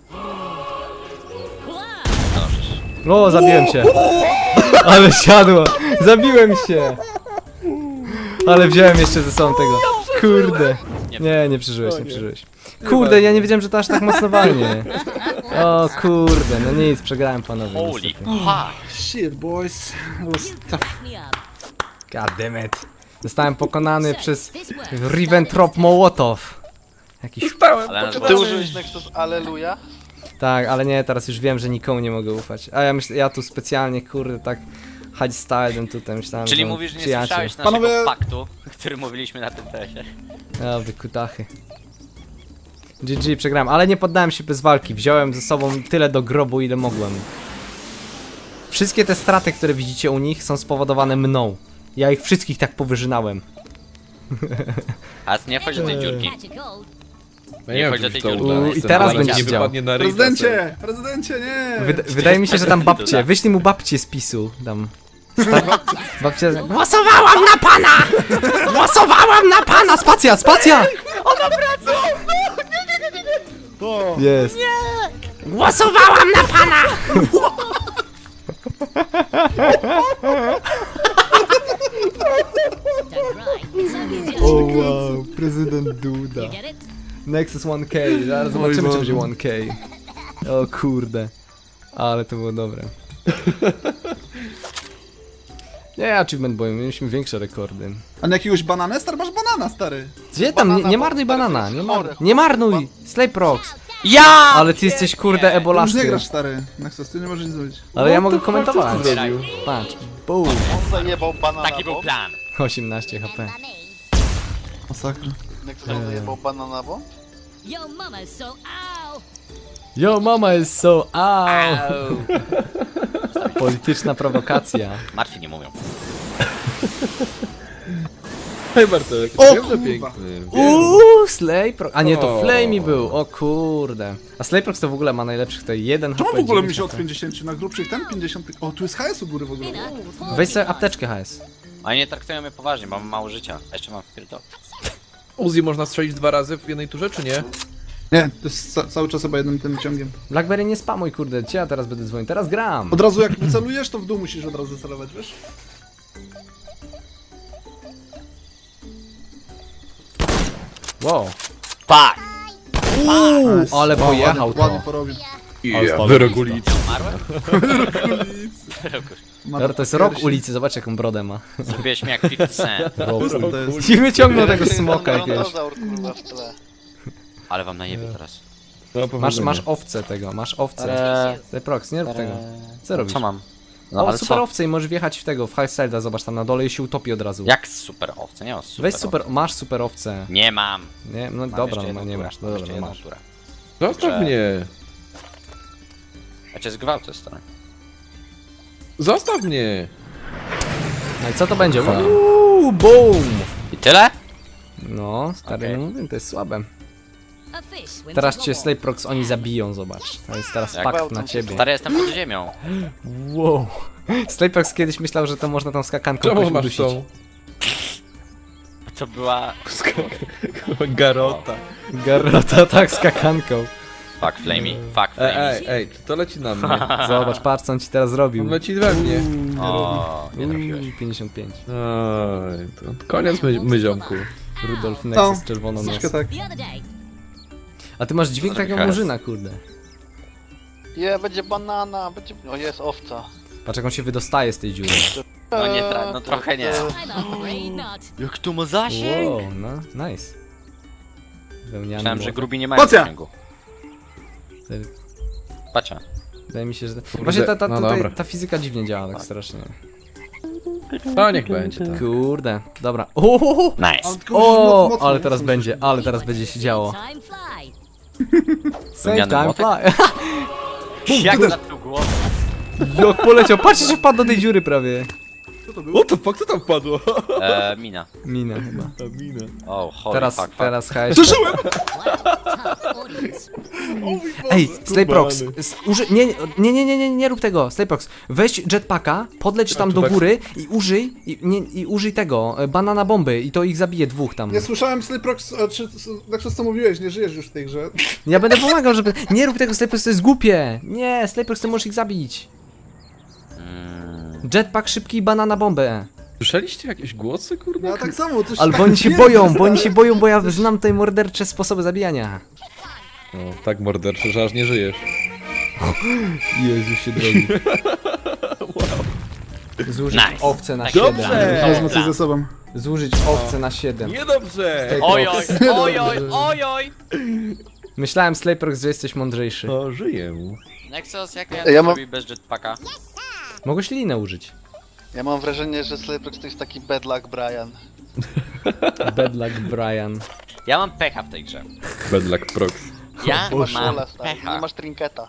Speaker 4: No przecież.
Speaker 2: O, zabiłem się. Ale siadło. Zabiłem się. Ale wziąłem jeszcze ze sobą tego. Kurde. Nie, nie przeżyłeś, nie przeżyłeś. Kurde, ja nie wiedziałem, że to aż tak mocno walnie. O kurde, no nic, przegrałem panowie.
Speaker 4: Holy
Speaker 2: niestety.
Speaker 4: fuck.
Speaker 5: Shit, boys. That was tough.
Speaker 6: Me up.
Speaker 2: God damn it. Zostałem pokonany przez Ribbentrop Mołotow. Jakiś...
Speaker 4: Ale nas
Speaker 7: Czy
Speaker 4: było...
Speaker 7: ty użyłeś Nexus Alleluja?
Speaker 2: Tak, ale nie, teraz już wiem, że nikomu nie mogę ufać. A ja myślę, ja tu specjalnie, kurde, tak hard stylem tutaj myślałem,
Speaker 4: Czyli
Speaker 2: że
Speaker 4: mówisz, że nie
Speaker 2: przyjaciel.
Speaker 4: słyszałeś naszego
Speaker 5: Panowie-
Speaker 4: faktu, który mówiliśmy na tym tesie.
Speaker 2: O, wy kutachy. G G, przegrałem, ale nie poddałem się bez walki. Wziąłem ze sobą tyle do grobu, ile mogłem. Wszystkie te straty, które widzicie u nich, są spowodowane mną. Ja ich wszystkich tak powyżynałem.
Speaker 4: A nie chodź do tej dziurki.
Speaker 6: Catch a cold.
Speaker 1: Ja
Speaker 4: Nie
Speaker 1: wiem,
Speaker 4: chodź
Speaker 1: czy
Speaker 4: do tej
Speaker 1: to
Speaker 4: dziurki.
Speaker 1: uda.
Speaker 2: U, i
Speaker 1: Jestem
Speaker 2: teraz
Speaker 1: zaraz
Speaker 2: będziesz
Speaker 1: nie
Speaker 2: chciał.
Speaker 1: wypadnie na ryj,
Speaker 5: Prezydencie! Prezydencie, nie!
Speaker 2: Wyda wydaje mi się, że tam babcie, wyślij mu babcie z PiSu. Tam. Sta babcie. Głosowałam na pana! Głosowałam na pana! Spacja, spacja! Ona wraca! Jest. Głosowałam na pana!
Speaker 6: Don't cry. It's only a joke.
Speaker 2: O wow, prezydent Duda.
Speaker 6: You get it?
Speaker 2: Nexus one K, zaraz zobaczymy czy będzie one K. O kurde. Ale to było dobre. Nie, achievement boy, mieliśmy większe rekordy.
Speaker 5: A na jakiegoś banana? Stary, masz banana, stary.
Speaker 2: Gdzie tam? Nie, nie
Speaker 7: Banana,
Speaker 2: marnuj
Speaker 7: bo
Speaker 2: banana,
Speaker 7: stary,
Speaker 2: nie,
Speaker 7: to jest
Speaker 2: mar
Speaker 7: chore,
Speaker 2: nie
Speaker 7: chore.
Speaker 2: marnuj! Slayprox!
Speaker 4: Ja!
Speaker 2: Ale ty jesteś kurde
Speaker 5: Ty już nie
Speaker 2: ebolasty.
Speaker 5: grasz, stary. Nexus, ty nie możesz nic zrobić.
Speaker 2: Ale ja mogę komentować. Patrz. Boom.
Speaker 7: On zajebał banana
Speaker 4: Taki był
Speaker 7: bomb.
Speaker 4: plan.
Speaker 2: osiemnaście H P.
Speaker 6: Remember me.
Speaker 5: Masakra.
Speaker 7: Nexus zajebał banana bomb.
Speaker 6: Yo, mama's so ow.
Speaker 2: Yo, mama is so out.
Speaker 4: Au.
Speaker 2: Polityczna prowokacja.
Speaker 4: Martwi nie mówią.
Speaker 1: Hej Bartek,
Speaker 5: O,
Speaker 1: wiem, że
Speaker 5: kurwa.
Speaker 1: piękny. Wiem.
Speaker 2: Uuu, Slayprox. A nie, to
Speaker 1: O.
Speaker 2: Flamey był. O kurde. A Slayprox to w ogóle ma najlepszych tutaj jeden H
Speaker 5: Czemu
Speaker 2: P.
Speaker 5: w ogóle mi
Speaker 2: dziewięć
Speaker 5: się od
Speaker 2: H P.
Speaker 5: pięćdziesięciu na grubszych ten pięćdziesiąt... O, tu jest H S u góry w ogóle.
Speaker 6: Dinner.
Speaker 2: Weź sobie apteczkę H S.
Speaker 4: Oni nie traktują mnie poważnie, bo mam mało życia. A jeszcze mam wpierdol.
Speaker 1: Uzi można strzelić dwa razy w jednej turze, czy nie?
Speaker 5: Nie, to jest ca cały czas chyba jednym tym ciągiem.
Speaker 2: Blackberry nie spamuj kurde, cię ja teraz będę dzwonił. Teraz gram.
Speaker 5: Od razu jak wycelujesz, to w dół musisz od razu celować, wiesz?
Speaker 2: Wow.
Speaker 4: Fuck!
Speaker 2: Uuu, ale
Speaker 5: O,
Speaker 2: pojechał
Speaker 5: ładnie, ładnie
Speaker 2: to.
Speaker 5: porobił.
Speaker 1: Yeah, wyrok ulicy.
Speaker 4: Umarłem?
Speaker 2: Dobra, to jest rok ulicy, zobacz jaką brodę ma.
Speaker 4: Zrobiłeś mnie jak pięćdziesiąt cent.
Speaker 5: To jest...
Speaker 2: I wyciągnął tego smoka jakiegoś.
Speaker 7: Dinozaur, kurwa, w tle.
Speaker 4: Ale wam najebie teraz.
Speaker 1: No,
Speaker 2: Masz,
Speaker 1: powodzenia.
Speaker 2: masz owce tego, masz owce.
Speaker 4: Eee,
Speaker 2: Slayprox, nie rób tego. Co robisz?
Speaker 4: Co mam? No
Speaker 2: O,
Speaker 4: ale
Speaker 2: super
Speaker 4: co?
Speaker 2: owce i możesz wjechać w tego, w Highside'a, zobacz tam na dole i się utopi od razu.
Speaker 4: Jak super owce? Nie mam super
Speaker 2: Weź
Speaker 4: owce.
Speaker 2: super, masz super owce.
Speaker 4: Nie mam.
Speaker 2: Nie, no
Speaker 4: Mam
Speaker 2: dobra,
Speaker 4: jeszcze
Speaker 2: no
Speaker 4: jedną
Speaker 2: nie
Speaker 4: turę.
Speaker 2: masz, no
Speaker 4: Mam
Speaker 2: dobra,
Speaker 4: jeszcze
Speaker 2: no
Speaker 4: jedną
Speaker 2: masz.
Speaker 4: turę.
Speaker 1: Zostaw
Speaker 4: Że-
Speaker 1: mnie!
Speaker 4: Ja cię zgwałcę, stary.
Speaker 1: Zostaw mnie!
Speaker 2: No i co to będzie?
Speaker 4: Aha.
Speaker 2: Uuu, boom!
Speaker 4: I tyle?
Speaker 2: No, stary,
Speaker 4: Okej.
Speaker 2: no mówię, to jest słabe.
Speaker 6: A fish swims
Speaker 2: Teraz
Speaker 6: in
Speaker 2: cię
Speaker 6: the water.
Speaker 2: Slayprox oni zabiją, zobacz. To jest teraz
Speaker 4: Jak
Speaker 2: pakt
Speaker 7: gwałcą
Speaker 2: na
Speaker 7: cię.
Speaker 2: ciebie.
Speaker 4: Stary, jestem pod ziemią.
Speaker 2: Wow. Slayprox kiedyś myślał, że to można tą skakanką
Speaker 1: Czemu
Speaker 2: jakoś
Speaker 1: masz
Speaker 2: udusić.
Speaker 1: tą?
Speaker 4: To była...
Speaker 1: Garota.
Speaker 2: Garota tak z kakanką.
Speaker 4: Fuck Flamey, fuck
Speaker 1: Ej,
Speaker 4: Flamey.
Speaker 1: ej, ej, czy to leci na mnie?
Speaker 2: Zobacz, patrz co on ci teraz zrobił.
Speaker 1: On leci we mnie.
Speaker 4: O, nie trafiłeś.
Speaker 2: Uuu, pięćdziesiąt pięć.
Speaker 1: Oj, to koniec my, myziomku.
Speaker 2: Rudolf
Speaker 5: No,
Speaker 2: Nexus z czerwoną nos.
Speaker 5: troszkę tak.
Speaker 6: The other day,
Speaker 2: A ty masz dźwięk takiego
Speaker 4: Trochę.
Speaker 2: murzyna, kurde.
Speaker 7: Je, będzie banana, będzie... O, jest owca.
Speaker 2: Patrz jak on się wydostaje z tej dziury.
Speaker 4: No nie, tra- no trochę nie.
Speaker 6: I'm afraid not.
Speaker 4: Jak tu ma zasięg?
Speaker 2: Wow, no, nice. Wełniany
Speaker 4: Myślałem, że
Speaker 2: młot.
Speaker 4: grubi nie mają
Speaker 5: Pacia!
Speaker 4: zasięgu. Pacia.
Speaker 2: Wydaje mi się, że... Właśnie ta, ta,
Speaker 1: no
Speaker 2: tutaj,
Speaker 1: dobra.
Speaker 2: ta fizyka dziwnie działa tak strasznie.
Speaker 1: No niech będzie tak.
Speaker 2: Kurde, dobra. Ohohoho!
Speaker 4: Nice.
Speaker 5: Ale tylko musisz moc-
Speaker 2: O,
Speaker 5: mocno,
Speaker 2: ale teraz
Speaker 5: mocno
Speaker 2: będzie,
Speaker 5: musisz-
Speaker 2: ale teraz będzie się działo.
Speaker 6: Time fly.
Speaker 2: Save
Speaker 4: Wełniany
Speaker 2: time
Speaker 4: młotek?
Speaker 2: fly.
Speaker 4: Jak na tu głowę?
Speaker 2: Jak poleciał, patrzcie, się wpadł do tej dziury prawie.
Speaker 1: What the fuck, co tam wpadło?
Speaker 4: E, mina.
Speaker 2: Mina chyba.
Speaker 1: Mina.
Speaker 4: O, holy
Speaker 2: Teraz,
Speaker 4: fuck, fuck.
Speaker 2: teraz H S.
Speaker 6: Wow, tough audience.
Speaker 2: Ej, Slayprox, s- uży... nie, nie, nie, nie, nie, nie, nie rób tego, Slayprox, weź jetpacka, podleć tam do
Speaker 1: tak.
Speaker 2: góry i użyj, i, nie, i użyj tego, e, banana bomby i to ich zabije dwóch tam.
Speaker 5: Nie słyszałem Slayprox, a czy Nexus co mówiłeś, nie żyjesz już w tej grze.
Speaker 2: Ja będę pomagał, żeby, nie rób tego Slayprox, to jest głupie, nie, Slayprox, ty możesz ich zabić.
Speaker 4: Mm,
Speaker 2: Jetpack szybki i banana bombę.
Speaker 1: Słyszeliście jakieś głosy, kurde?
Speaker 5: Ja tak samo, coś
Speaker 2: Ale
Speaker 5: tak
Speaker 2: bo oni się
Speaker 5: nie-
Speaker 2: boją, bo oni się boją, bo ja znam tutaj mordercze sposoby zabijania.
Speaker 1: O, tak morderczy, że aż nie żyjesz.
Speaker 2: Jezu się drogi. Zużyć
Speaker 4: Nice.
Speaker 2: owce na
Speaker 4: Tak.
Speaker 2: siedem.
Speaker 1: Dobrze!
Speaker 5: Wezmę coś ze sobą.
Speaker 2: Zużyć owce na siedem.
Speaker 1: Niedobrze!
Speaker 4: Oj, oj, oj, oj, oj, oj.
Speaker 2: Myślałem, Slayprox, że jesteś mądrzejszy.
Speaker 1: O, żyję.
Speaker 4: Nexus, jak ja,
Speaker 7: Ja
Speaker 4: ja
Speaker 7: mam-
Speaker 4: mam... bez jetpacka?
Speaker 2: Mogłeś linę użyć.
Speaker 7: Ja mam wrażenie, że Slayprox to jest taki bad luck Brian.
Speaker 2: Bad luck Brian.
Speaker 4: Ja mam pecha w tej grze.
Speaker 1: Bad luck prox.
Speaker 4: Ja
Speaker 7: Masz
Speaker 4: mam
Speaker 7: rola, stary,
Speaker 4: pecha.
Speaker 7: nie masz trinketa.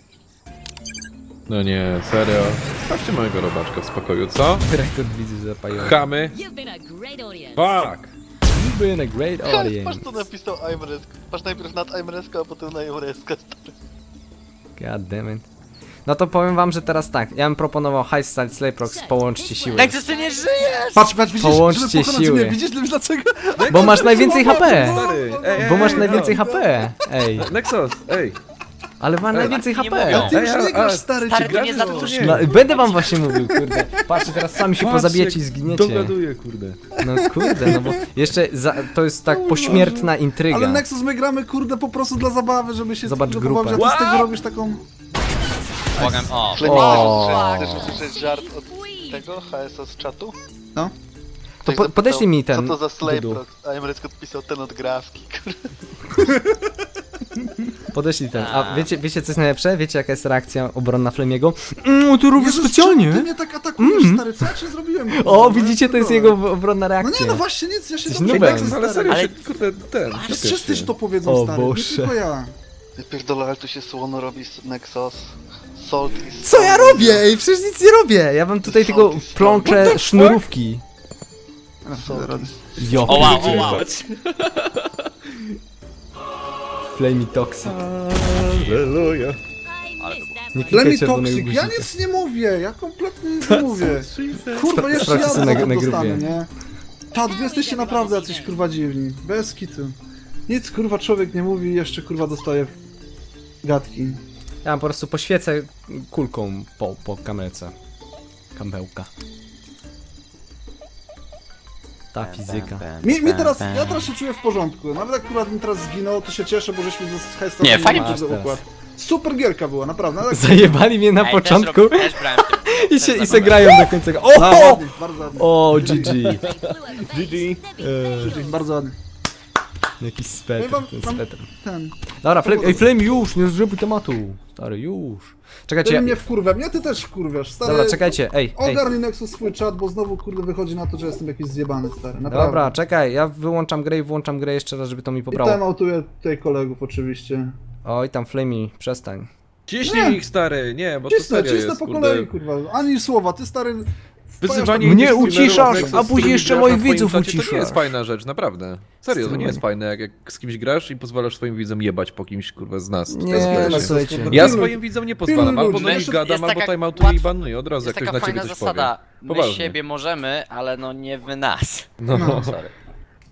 Speaker 1: No nie, serio. Sprawdźcie mojego robaczka w spokoju, co?
Speaker 2: Rekord widzów zapajony.
Speaker 1: Chamy.
Speaker 6: You've been a great audience.
Speaker 1: Fuck!
Speaker 2: You've been a great
Speaker 7: Patrz
Speaker 2: audience.
Speaker 7: co napisał Aimresk. Patrz najpierw nad Aimreska, a potem na Aimreska.
Speaker 2: God damn it. No to powiem wam, że teraz tak. Ja bym proponował High Style Slayprox, połączcie siły.
Speaker 4: Nexus, ty nie żyjesz!
Speaker 5: Patrz, patrz, widzisz,
Speaker 2: Połączcie
Speaker 5: żeby pokonać
Speaker 2: siły.
Speaker 5: mnie, widzisz dlaczego?
Speaker 2: Bo masz najwięcej H P.
Speaker 1: Stary, ej, ej,
Speaker 2: Bo masz
Speaker 1: ej,
Speaker 2: najwięcej
Speaker 1: no.
Speaker 2: H P. Ej,
Speaker 1: Nexus, ej.
Speaker 2: ale ma najwięcej
Speaker 4: tak nie
Speaker 2: H P.
Speaker 4: mówią.
Speaker 5: Ty już
Speaker 1: Ej, a-
Speaker 5: nie grasz,
Speaker 1: a-
Speaker 5: stary,
Speaker 4: Stary,
Speaker 5: ci
Speaker 4: to nie
Speaker 5: grasz,
Speaker 4: za
Speaker 5: no.
Speaker 4: dużo.
Speaker 2: No, będę wam właśnie mówił, kurde. Patrzcie, teraz sami się
Speaker 1: Patrz,
Speaker 2: pozabijecie i
Speaker 1: jak
Speaker 2: zginiecie.
Speaker 1: Dogaduję, kurde.
Speaker 2: No kurde, no bo jeszcze za, to jest tak pośmiertna intryga.
Speaker 5: Ale Nexus my gramy, kurde, po prostu dla zabawy, żeby się
Speaker 2: Zobacz
Speaker 5: kurde,
Speaker 2: grupę.
Speaker 5: pobawić, a ty z tego robisz taką...
Speaker 4: Błagam, o.
Speaker 2: O.
Speaker 7: Chcesz usłyszeć żart od tego H S z czatu?
Speaker 5: No.
Speaker 2: To
Speaker 7: Ktoś
Speaker 2: po,
Speaker 7: zapytał,
Speaker 2: podeślij mi ten.
Speaker 7: Co to za
Speaker 2: Dudu.
Speaker 7: Slayprox? Aimresk odpisał ten od grafki. kurde.
Speaker 2: Podeślij ten. A
Speaker 4: A.
Speaker 2: wiecie, wiecie co jest najlepsze? Wiecie jaka jest reakcja obronna Flemiego? Mm, tu robisz
Speaker 5: Jezus,
Speaker 2: specjalnie.
Speaker 5: czemu ty mnie tak atakujesz,
Speaker 2: Mm.
Speaker 5: stary, co ja ci zrobiłem? kurde,
Speaker 2: O,
Speaker 5: no,
Speaker 2: widzicie, to jest
Speaker 5: dobra.
Speaker 2: jego obronna
Speaker 5: No
Speaker 2: reakcja.
Speaker 5: nie, no właśnie, nic, ja się
Speaker 2: Jesteś
Speaker 5: dobrze
Speaker 2: nubem.
Speaker 5: Nexus,
Speaker 1: Ale
Speaker 5: stary.
Speaker 1: serio
Speaker 7: Ale-
Speaker 1: się, kurde, ten.
Speaker 5: Wszyscy ci to powiedzą,
Speaker 2: O
Speaker 5: stary,
Speaker 2: Boże.
Speaker 5: nie tylko ja.
Speaker 7: Ja pierdolę, ale tu się słono robi z Nexus. Salt is
Speaker 2: Co ja robię? Ej, przecież nic nie robię. Ja wam tutaj tylko plączę sznurówki.
Speaker 5: Salt is...
Speaker 2: Jo,
Speaker 4: O wow, o wow.
Speaker 2: Flamey Toxic.
Speaker 1: Halleluja.
Speaker 6: I
Speaker 4: Ale
Speaker 6: missed that
Speaker 2: Nie
Speaker 6: one.
Speaker 5: Dla mnie
Speaker 2: klikaj czerwonego
Speaker 5: toksyk, ja
Speaker 2: guzika.
Speaker 5: nic nie mówię, ja kompletnie nic nie mówię. Kurwa, jeszcze
Speaker 2: Sprawdźcie
Speaker 5: ja
Speaker 2: sobie
Speaker 5: za
Speaker 2: na-
Speaker 5: to
Speaker 2: na
Speaker 5: dostanę,
Speaker 2: grupie.
Speaker 5: nie? Czad, wy jesteście naprawdę jacyś kurwa dziwni, bez kitu. Nic kurwa człowiek nie mówi, jeszcze kurwa dostaje w gadki.
Speaker 2: Ja po prostu poświecę kulką po, po kamerce. Kamełka. Ta fizyka.
Speaker 5: Mi, mi teraz, ja teraz się czuję w porządku, nawet jak akurat mi teraz zginął, to się cieszę, bo żeśmy z Hejstem
Speaker 4: Nie, fajnie
Speaker 2: masz teraz.
Speaker 5: układ. Super gierka była, naprawdę. ale-
Speaker 2: Zajebali mnie na
Speaker 4: Ej,
Speaker 2: początku
Speaker 4: Też, rob, też brałem w tym.
Speaker 2: i
Speaker 4: też
Speaker 2: się, i se
Speaker 4: zabrałem.
Speaker 2: grają do końca.
Speaker 5: No,
Speaker 2: O!
Speaker 5: ładnie, bardzo ładnie.
Speaker 2: O, G G.
Speaker 6: They flew over the
Speaker 1: G G.
Speaker 6: base.
Speaker 5: Bardzo ładnie.
Speaker 2: Jakiś spetr,
Speaker 5: Powiem wam-
Speaker 2: ten
Speaker 5: wam-
Speaker 2: spetr.
Speaker 5: Ten.
Speaker 2: Dobra, Flame, ej Flame już, nie zrobił tematu. Stary, już. Czekajcie,
Speaker 5: Ty
Speaker 2: ja,
Speaker 5: mnie wkurwia, mnie ty też wkurwiasz, stary.
Speaker 2: dobra, czekajcie, ej, ej.
Speaker 5: Ogarnij Nexus swój czat, bo znowu kurde wychodzi na to, że jestem jakiś zjebany, stary. Naprawdę.
Speaker 2: Dobra, czekaj, ja wyłączam grę i włączam grę jeszcze raz, żeby to mi
Speaker 5: I
Speaker 2: pobrało.
Speaker 5: temautuję tutaj kolegów oczywiście.
Speaker 2: Oj, tam Flamey, przestań.
Speaker 1: Ciśnij
Speaker 5: Nie.
Speaker 1: ich, stary, nie, bo to
Speaker 5: Cisnę,
Speaker 1: serio
Speaker 5: cisnę
Speaker 1: jest,
Speaker 5: po
Speaker 1: kurde.
Speaker 5: kolei, kurwa. Ani słowa, ty stary...
Speaker 1: Wyzywanie
Speaker 2: Mnie
Speaker 1: innych streamerów
Speaker 2: uciszasz,
Speaker 1: Nexus,
Speaker 2: a
Speaker 1: z
Speaker 2: później
Speaker 1: którymi
Speaker 2: jeszcze
Speaker 1: grasz
Speaker 2: moich
Speaker 1: na twoim
Speaker 2: widzów
Speaker 1: czacie, To
Speaker 2: uciszasz.
Speaker 1: nie jest fajna rzecz, naprawdę. Serio, to nie jest fajne, jak, jak z kimś grasz i pozwalasz swoim widzom jebać po kimś, kurwa, z nas.
Speaker 2: Nie,
Speaker 1: To jest
Speaker 2: no
Speaker 1: kitu.
Speaker 2: słuchajcie.
Speaker 1: Ja
Speaker 5: Pilnuj-
Speaker 1: swoim widzom nie pozwalam,
Speaker 5: pilnuj
Speaker 1: albo do
Speaker 5: ludzi.
Speaker 1: nich
Speaker 4: Jest
Speaker 1: gadam, albo
Speaker 4: taka
Speaker 1: timeoutuję i
Speaker 4: łatwa-
Speaker 1: banuję od razu, jak
Speaker 4: Jest
Speaker 1: ktoś
Speaker 4: taka
Speaker 1: na ciebie
Speaker 4: fajna
Speaker 1: coś
Speaker 4: zasada.
Speaker 1: powie.
Speaker 4: My
Speaker 1: Poważnie.
Speaker 4: siebie możemy, ale no nie wy nas.
Speaker 1: No.
Speaker 5: No.
Speaker 4: Sorry.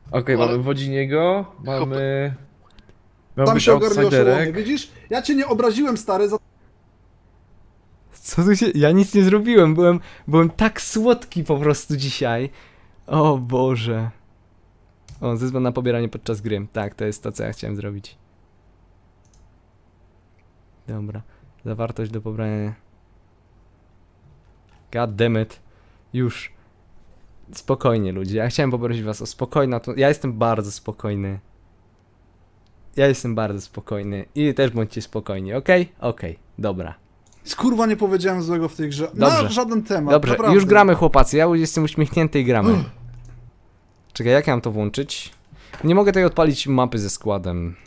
Speaker 1: Okej,
Speaker 7: Ale-
Speaker 1: mamy Wodziniego, mamy... Mamy
Speaker 5: Tam
Speaker 1: być
Speaker 5: się ogarniał oszołomy,
Speaker 1: outsiderek.
Speaker 5: widzisz? Ja cię nie obraziłem, stary, za
Speaker 2: Co tu się... Ja nic nie zrobiłem, byłem, byłem tak słodki po prostu dzisiaj. O Boże. O, zezwól na pobieranie podczas gry. Tak, to jest to, co ja chciałem zrobić. Dobra. Zawartość do pobrania. God damn it. Już. Spokojnie, ludzie. Ja chciałem poprosić was o spokojną... To... Ja jestem bardzo spokojny. Ja jestem bardzo spokojny. I też bądźcie spokojni, okej? Okej, dobra.
Speaker 5: Kurwa, nie powiedziałem złego w tej grze.
Speaker 2: Dobrze.
Speaker 5: Na żaden temat,
Speaker 2: Dobrze,
Speaker 5: naprawdę.
Speaker 2: już gramy, chłopacy. Ja jestem uśmiechnięty i gramy. Czekaj, jak ja mam to włączyć? Nie mogę tutaj odpalić mapy ze składem.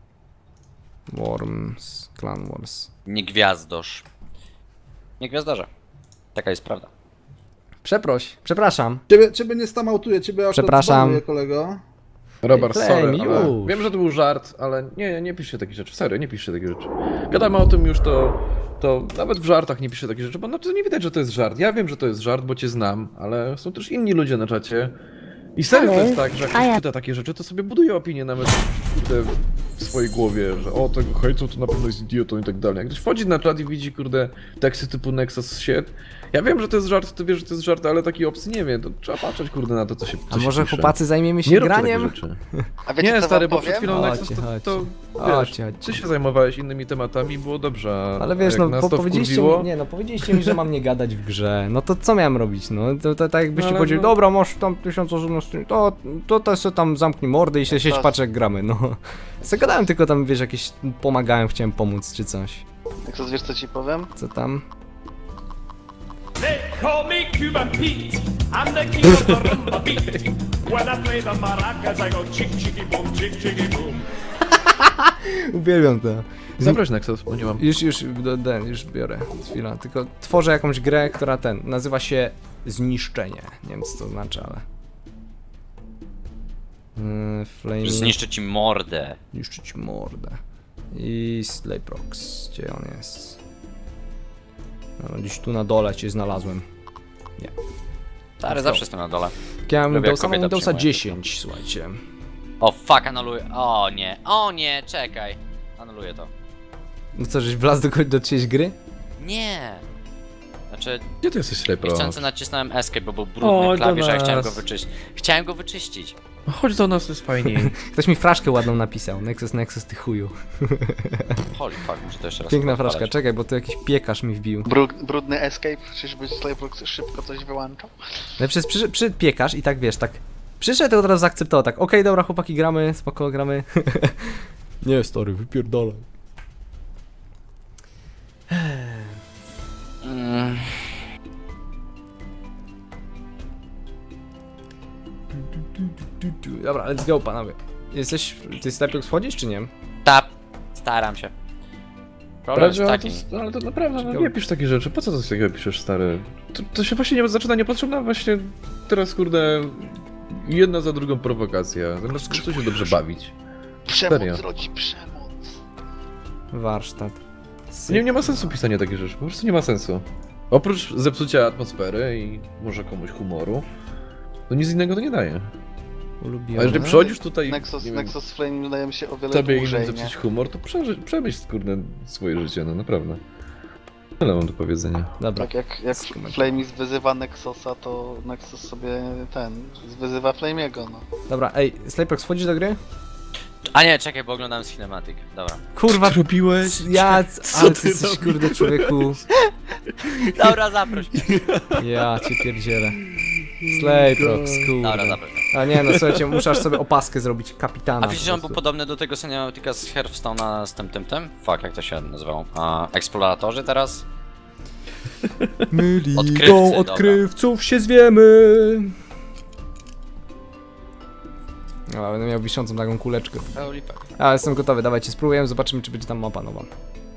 Speaker 2: Worms, Clan Wars.
Speaker 4: Nie gwiazdosz. Nie gwiazdarze. Taka jest prawda.
Speaker 2: Przeproś, przepraszam.
Speaker 5: Ciebie, ciebie nie stamautuję, ciebie aż
Speaker 2: Przepraszam.
Speaker 5: odbanuję, kolego.
Speaker 1: Robert,
Speaker 2: Flame,
Speaker 1: sorry, ale
Speaker 2: już.
Speaker 1: wiem, że to był żart, ale nie, nie piszcie takich rzeczy, serio, nie piszcie takich rzeczy. Gadamy o tym już, to, to nawet w żartach nie piszcie takich rzeczy, bo no, to nie widać, że to jest żart. Ja wiem, że to jest żart, bo cię znam, ale są też inni ludzie na czacie. I serio to jest tak, że jak ktoś czyta takie rzeczy, to sobie buduje opinię nawet kurde, w swojej głowie, że o, tego hejcą to na pewno jest idiotą i tak dalej. Jak ktoś wchodzi na czat i widzi, kurde, teksty typu Nexus shit, ja wiem, że to jest żart, ty wiesz, że to jest żart, ale taki opcji nie wiem, to trzeba patrzeć, kurde, na to, co się co
Speaker 2: A
Speaker 1: się
Speaker 2: może
Speaker 1: pisze.
Speaker 2: chłopacy zajmiemy się
Speaker 1: Nie róbcie
Speaker 2: graniem?
Speaker 1: takich rzeczy.
Speaker 7: A wiecie
Speaker 1: Nie,
Speaker 7: co
Speaker 1: stary,
Speaker 7: wam
Speaker 1: bo
Speaker 7: powiem?
Speaker 1: przed chwilą
Speaker 2: Chodźcie,
Speaker 1: Nexus to,
Speaker 2: chodźcie.
Speaker 1: to
Speaker 2: Chodźcie,
Speaker 1: wiesz,
Speaker 2: chodźcie.
Speaker 1: ty się zajmowałeś innymi tematami i było dobrze, a
Speaker 2: Ale wiesz,
Speaker 1: jak
Speaker 2: no
Speaker 1: nas
Speaker 2: po,
Speaker 1: to
Speaker 2: powiedzieliście
Speaker 1: wkurwiło,
Speaker 2: mi, nie no, powiedzieliście mi, że mam nie gadać w grze. No to co miałem robić, no? To, to tak jakbyście
Speaker 1: No, ale
Speaker 2: powiedzieli,
Speaker 1: no-
Speaker 2: dobra, masz tam tysiąc osób na streamie, to, to, to sobie tam zamknij mordę i się siedź
Speaker 7: to-
Speaker 2: patrz jak gramy, no. Zagadałem tylko tam, wiesz, jakieś, pomagałem, chciałem pomóc czy coś.
Speaker 7: Jak to wiesz co ci powiem?
Speaker 2: Co tam?
Speaker 8: They call me Cuban Pete. I'm the king of the rumba beat. When I play the maracas, I go chick chicky boom, chick chicky boom.
Speaker 2: Uwielbiam to.
Speaker 1: zabrać Nexus, bo nie mam.
Speaker 2: Już, już, do, do, już biorę, chwila, tylko tworzę jakąś grę, która ten, nazywa się Zniszczenie. Nie wiem co to znaczy, ale... Yy, Flame...
Speaker 4: Że zniszczę ci mordę.
Speaker 2: Niszczyć mordę. I Slayprox, gdzie on jest? No, gdzieś tu na dole cię znalazłem.
Speaker 4: Stary, zawsze jestem na dole.
Speaker 2: Ja mam
Speaker 4: Lubię, jak
Speaker 2: Windowsa, mam
Speaker 4: kobieta
Speaker 2: Windowsa
Speaker 4: przyjmuje.
Speaker 2: dziesięć, słuchajcie.
Speaker 4: O fuck, anuluję. O nie, o nie, czekaj. Anuluję to.
Speaker 2: No co, żeś wlazł do, do czyjejś gry?
Speaker 4: Nie. Znaczy,
Speaker 1: Gdzie ty jesteś, Slaypro?
Speaker 4: niechcący nacisnąłem escape, bo był brudny
Speaker 1: Chodź do
Speaker 4: klawisz, a ja chciałem go
Speaker 1: nas.
Speaker 4: wyczyścić. Chciałem go wyczyścić.
Speaker 1: Chodź do nas, to jest fajniej.
Speaker 2: Ktoś mi fraszkę ładną napisał. Nexus, Nexus, ty chuju.
Speaker 4: Holy fuck, muszę to jeszcze raz
Speaker 2: Piękna
Speaker 4: odpalać.
Speaker 2: fraszka, czekaj, bo tu jakiś piekarz mi wbił.
Speaker 7: Brud, brudny escape? Czyżby Slayprox szybko coś wyłączał?
Speaker 2: No przez przyszedł, przyszedł piekarz i tak wiesz, tak przyszedł i od razu zaakceptował, tak okej, dobra chłopaki, gramy, spoko, gramy. Nie stary, wypierdolaj.
Speaker 4: Mm,
Speaker 2: Dobra, let's go panowie. Jesteś, ty Slayprox wchodzisz czy nie?
Speaker 4: tap. Staram się. Problem jest
Speaker 1: Ale
Speaker 4: taki.
Speaker 1: to, ale to naprawdę, no, nie pisz takie rzeczy. Po co coś takiego piszesz, stary? To, to się właśnie nie zaczyna niepotrzebna właśnie teraz, kurde, jedna za drugą prowokacja. Zamiast po prostu się dobrze bawić.
Speaker 7: Przemoc
Speaker 1: Serio.
Speaker 7: rodzi przemoc.
Speaker 2: Warsztat.
Speaker 1: Nie, nie ma sensu pisania takich rzeczy, po prostu nie ma sensu. Oprócz zepsucia atmosfery i może komuś humoru, to nic innego to nie daje.
Speaker 2: Ulubiony.
Speaker 1: A jeżeli przychodzisz tutaj,
Speaker 7: Nexus,
Speaker 1: nie wiem,
Speaker 7: Nexus Flame wydaje mi się o wiele
Speaker 1: tobie innym
Speaker 7: dłużej, nie?
Speaker 1: zepsuć humor, to przeży, przemyśl, kurde, swoje życie, no naprawdę. Tyle mam do powiedzenia.
Speaker 2: Dobra.
Speaker 7: Tak jak, jak Flamis wyzywa Nexusa, to Nexus sobie ten, wyzywa Flamiego, no.
Speaker 2: Dobra, ej, Slayprox wchodzisz do gry?
Speaker 4: A nie, czekaj, bo oglądam cinematic. Dobra.
Speaker 2: Kurwa,
Speaker 1: robiłeś?
Speaker 2: ja, ale ty jesteś kurde człowieku.
Speaker 4: Dobra, zaproś mnie.
Speaker 2: Ja cię pierdzielę. Slayprox,
Speaker 4: Dobra,
Speaker 2: kurde.
Speaker 4: zaproś mnie.
Speaker 2: A nie no, słuchajcie, muszę aż sobie opaskę zrobić, kapitana.
Speaker 4: A wiesz, że on był podobny do tego Semiotika z Hearthstone'a z tym, tym, tym? Fuck, jak to się nazywało? A, Eksploratorzy teraz?
Speaker 2: My
Speaker 4: Odkrywcy,
Speaker 2: ligą
Speaker 4: dobra.
Speaker 2: odkrywców się zwiemy. No, będę miał wiszącą taką kuleczkę.
Speaker 4: Holy fuck.
Speaker 2: A, jestem gotowy, dawajcie, spróbujemy, zobaczymy czy będzie tam mapa nowa.